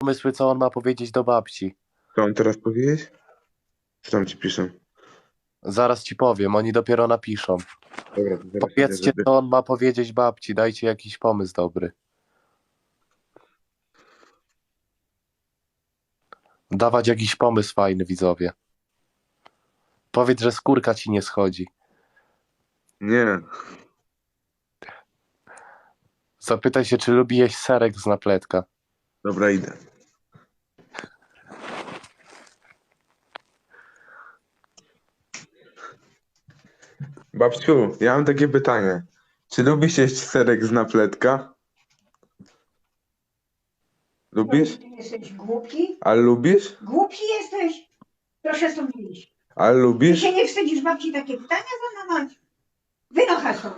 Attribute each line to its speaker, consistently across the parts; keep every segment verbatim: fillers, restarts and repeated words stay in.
Speaker 1: pomysły, co on ma powiedzieć do babci.
Speaker 2: Co on teraz powiedzieć? Co tam ci piszą?
Speaker 1: Zaraz ci powiem, oni dopiero napiszą.
Speaker 2: Dobra, to zaraz idę,
Speaker 1: Powiedzcie,
Speaker 2: żeby...
Speaker 1: co on ma powiedzieć babci, dajcie jakiś pomysł dobry. Dawać jakiś pomysł fajny, widzowie. Powiedz, że skórka ci nie schodzi.
Speaker 2: Nie.
Speaker 1: Zapytaj się, czy lubi jeść serek z napletka.
Speaker 2: Dobra, idę. Babciu, ja mam takie pytanie. Czy lubisz jeść serek z napletka? Lubisz?
Speaker 3: Ty jesteś głupi?
Speaker 2: A lubisz?
Speaker 3: Głupi jesteś? Proszę stąd wyjść.
Speaker 2: A
Speaker 3: Ty
Speaker 2: lubisz?
Speaker 3: się nie wstydzisz babci takie pytania zadawać? Wynocha stąd.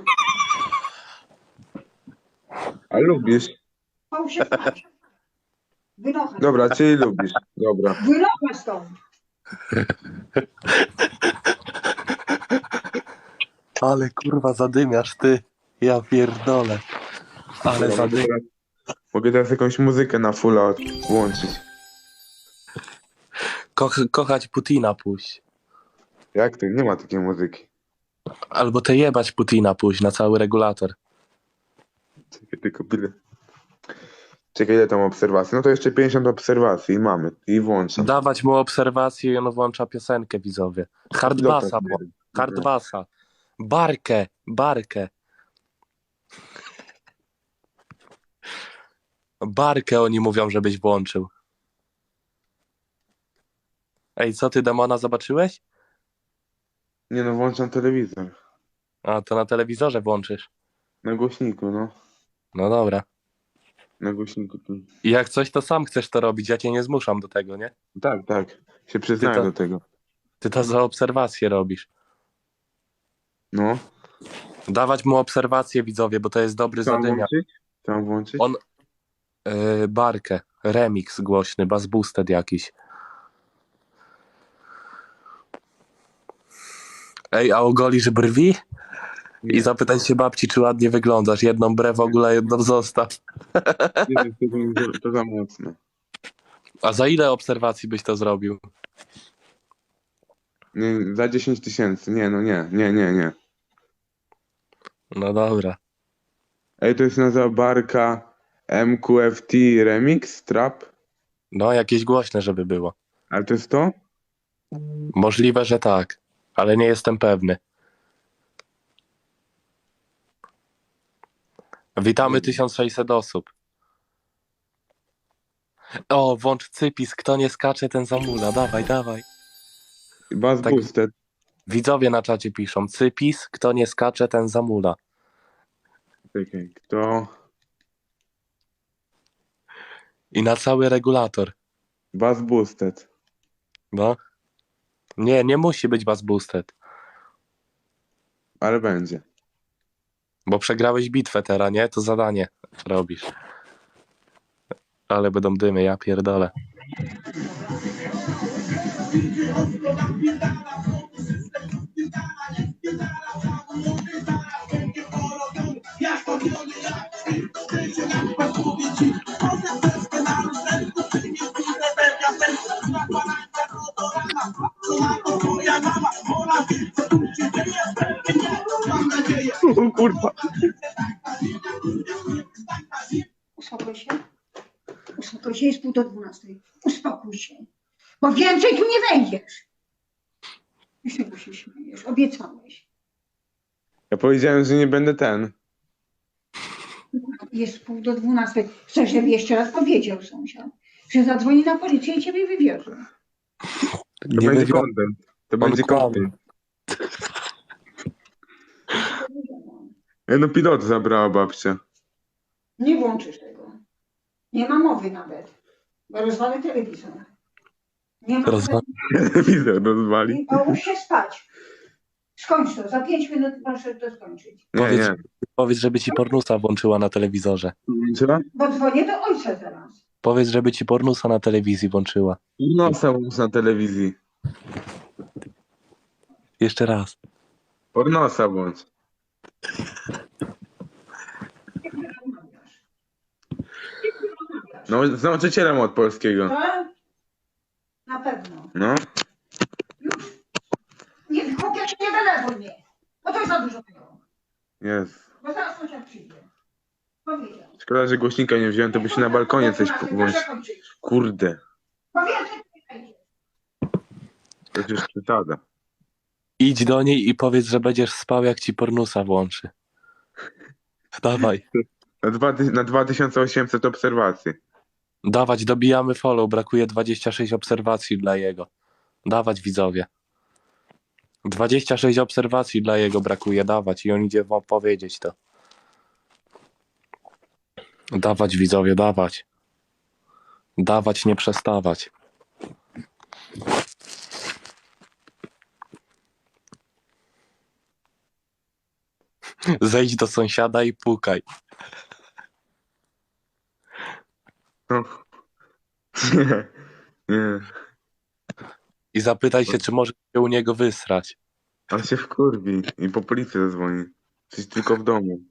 Speaker 2: A lubisz?
Speaker 3: Połóż się spać. Wynocha.
Speaker 2: Dobra, czyli lubisz. Dobra.
Speaker 3: Wynocha stąd.
Speaker 1: Ale kurwa zadymiasz ty. Ja pierdolę. Ale
Speaker 2: Dobra, mogę,
Speaker 1: zadymiasz.
Speaker 2: teraz, mogę teraz jakąś muzykę na fulla od- włączyć.
Speaker 1: Ko kochać Putina puść.
Speaker 2: Jak to? Nie ma takiej muzyki.
Speaker 1: Albo te jebać Putina puść na cały regulator.
Speaker 2: Czekaj, tylko byle. Czekaj, ile tam obserwacji? No to jeszcze pięćdziesiąt obserwacji i mamy. I włączam.
Speaker 1: Dawać mu obserwację i on włącza piosenkę, widzowie. Hardbassa, bo. Hardbassa. Barkę, barkę. Barkę oni mówią, żebyś włączył. Ej, co ty, demona, zobaczyłeś?
Speaker 2: Nie no, włączam telewizor.
Speaker 1: A, to na telewizorze włączysz.
Speaker 2: Na głośniku, no.
Speaker 1: No dobra.
Speaker 2: Na głośniku. tu.
Speaker 1: I jak coś, to sam chcesz to robić, ja cię nie zmuszam do tego, nie?
Speaker 2: Tak, tak. Się przyznaję
Speaker 1: Ty to-
Speaker 2: do tego.
Speaker 1: Ty to za obserwację robisz.
Speaker 2: No.
Speaker 1: Dawać mu obserwację, widzowie, bo to jest dobry
Speaker 2: Co mam
Speaker 1: zadymiar.
Speaker 2: włączyć? Co mam włączyć?
Speaker 1: On- Yy, barkę, remix głośny, bass boosted jakiś. Ej, a ogolisz brwi? I
Speaker 2: Nie,
Speaker 1: zapytaj się babci, czy ładnie wyglądasz. Jedną brew w ogóle, jedną zostaw.
Speaker 2: nie wiem, to, za- to za mocno.
Speaker 1: A za ile obserwacji byś to zrobił?
Speaker 2: Nie, za dziesięć tysięcy. Nie, no nie, nie, nie, nie.
Speaker 1: No dobra.
Speaker 2: Ej, to jest nazywa Barka M Q F T Remix Trap?
Speaker 1: No, jakieś głośne, żeby było.
Speaker 2: Ale to jest to?
Speaker 1: Możliwe, że tak, ale nie jestem pewny. Witamy tysiąc sześćset osób. O, włącz cypis, kto nie skacze, ten zamula. Dawaj, dawaj.
Speaker 2: Bass
Speaker 1: Tak.
Speaker 2: Boosted.
Speaker 1: Widzowie na czacie piszą, cypis, kto nie skacze, ten zamula.
Speaker 2: Czekaj, kto?
Speaker 1: I na cały regulator.
Speaker 2: Bass Boosted.
Speaker 1: No. Nie, nie musi być bass boosted,
Speaker 2: Ale będzie.
Speaker 1: bo przegrałeś bitwę teraz, nie? To zadanie robisz. Ale będą dymy, ja pierdolę.
Speaker 2: O kurwa.
Speaker 3: Uspokój się. Uspokój się, jest pół do dwunastej. Uspokój się. Bo więcej tu nie wejdziesz. I z tego się śmiejesz. Obiecałeś.
Speaker 2: Ja powiedziałem, że nie będę ten.
Speaker 3: Jest pół do dwunastej. Chcesz, żeby jeszcze raz powiedział sąsiad, że zadzwoni na policję i ciebie wywiozą.
Speaker 2: To
Speaker 1: Nie
Speaker 2: będzie
Speaker 1: wywią-
Speaker 2: content. To będzie
Speaker 1: kłamie.
Speaker 2: content. Ej, no pilot zabrała babcia.
Speaker 3: Nie włączysz tego. Nie ma mowy nawet. Bo rozwalę telewizor. Nie ma
Speaker 1: Rozwa-
Speaker 2: Telewizor rozwali.
Speaker 3: I połóż się spać. Skończ to. Za pięć minut proszę to skończyć.
Speaker 2: Nie,
Speaker 1: Powiedz,
Speaker 2: nie.
Speaker 1: powiedz, żeby ci pornusa włączyła na telewizorze.
Speaker 2: Co?
Speaker 3: Bo dzwonię do ojca zaraz.
Speaker 1: Powiedz, żeby ci pornusa na telewizji włączyła.
Speaker 2: Pornosa łącz na telewizji.
Speaker 1: Jeszcze raz.
Speaker 2: Pornosa włącz.
Speaker 3: Jak ty rozmawiasz? Jak ty rozmawiasz?
Speaker 2: No, z nauczycielem od polskiego.
Speaker 3: Tak? Na pewno.
Speaker 2: No.
Speaker 3: Już. Nie, chłopie, się nie denerwuj mnie. Bo to jest za dużo tego.
Speaker 2: Jest.
Speaker 3: Bo zaraz sąsiad przyjdzie. Powiedział.
Speaker 2: Szkoda, że głośnika nie wziąłem, to by się na balkonie coś włączyć.
Speaker 3: Proszę kończyć.
Speaker 2: Kurde.
Speaker 3: Bo więcej tu nie wejdziesz.
Speaker 2: To już przesada.
Speaker 1: Idź do niej i powiedz, że będziesz spał, jak ci pornusa włączy. Dawaj.
Speaker 2: Na, dwa, ty- na dwa tysiące osiemset obserwacji.
Speaker 1: Dawać, dobijamy follow. Brakuje dwadzieścia sześć obserwacji dla jego. Dawać, widzowie. dwadzieścia sześć obserwacji dla jego brakuje. Dawać i on idzie wam powiedzieć to. Dawać, widzowie, dawać. Dawać, nie przestawać. Zejdź do sąsiada i pukaj.
Speaker 2: No. Nie. Nie.
Speaker 1: I zapytaj się, czy może się u niego wysrać.
Speaker 2: On się wkurwi i po policję zadzwoni. Jesteś tylko w domu.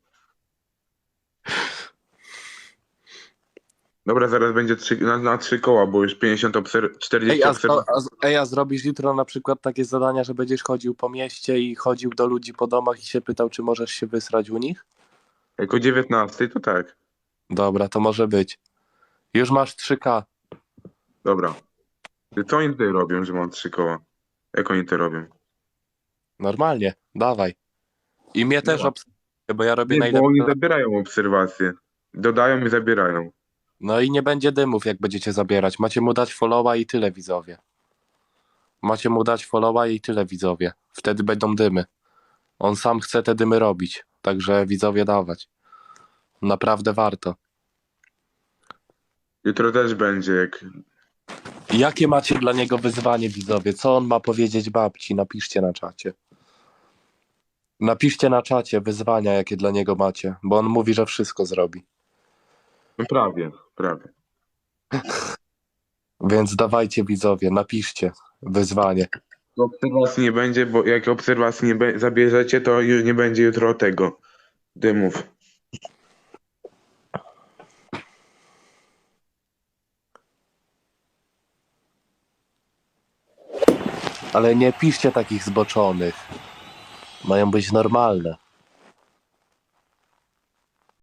Speaker 2: Dobra, zaraz będzie trzy, na, na trzy koła, bo już pięćdziesiąt obser- czterdzieści
Speaker 1: Ej a,
Speaker 2: obserwacji.
Speaker 1: a, ej, a zrobisz jutro na przykład takie zadania, że będziesz chodził po mieście i chodził do ludzi po domach i się pytał, czy możesz się wysrać u nich?
Speaker 2: Jak o dziewiętnastej, to tak.
Speaker 1: Dobra, to może być. Już masz trzy ka.
Speaker 2: Dobra. Ty, co oni tutaj robią, że mam trzy koła? Jak oni to robią?
Speaker 1: Normalnie, dawaj. I mnie też
Speaker 2: Dobra.
Speaker 1: obserwuj, bo ja robię
Speaker 2: Nie, bo
Speaker 1: najlepsze.
Speaker 2: oni zabierają obserwacje. Dodają i zabierają.
Speaker 1: No i nie będzie dymów, jak będziecie zabierać. Macie mu dać followa i tyle, widzowie. Macie mu dać followa i tyle, widzowie. Wtedy będą dymy. On sam chce te dymy robić. Także widzowie dawać. Naprawdę warto.
Speaker 2: Jutro też będzie, jak...
Speaker 1: Jakie macie dla niego wyzwanie, widzowie? Co on ma powiedzieć babci? Napiszcie na czacie. Napiszcie na czacie wyzwania, jakie dla niego macie, bo on mówi, że wszystko zrobi.
Speaker 2: No prawie, prawie.
Speaker 1: Więc dawajcie, widzowie, napiszcie wyzwanie.
Speaker 2: Obserwacji nie będzie, bo jak obserwacji nie be- zabierzecie, to już nie będzie jutro tego dymów.
Speaker 1: Ale nie piszcie takich zboczonych. Mają być normalne.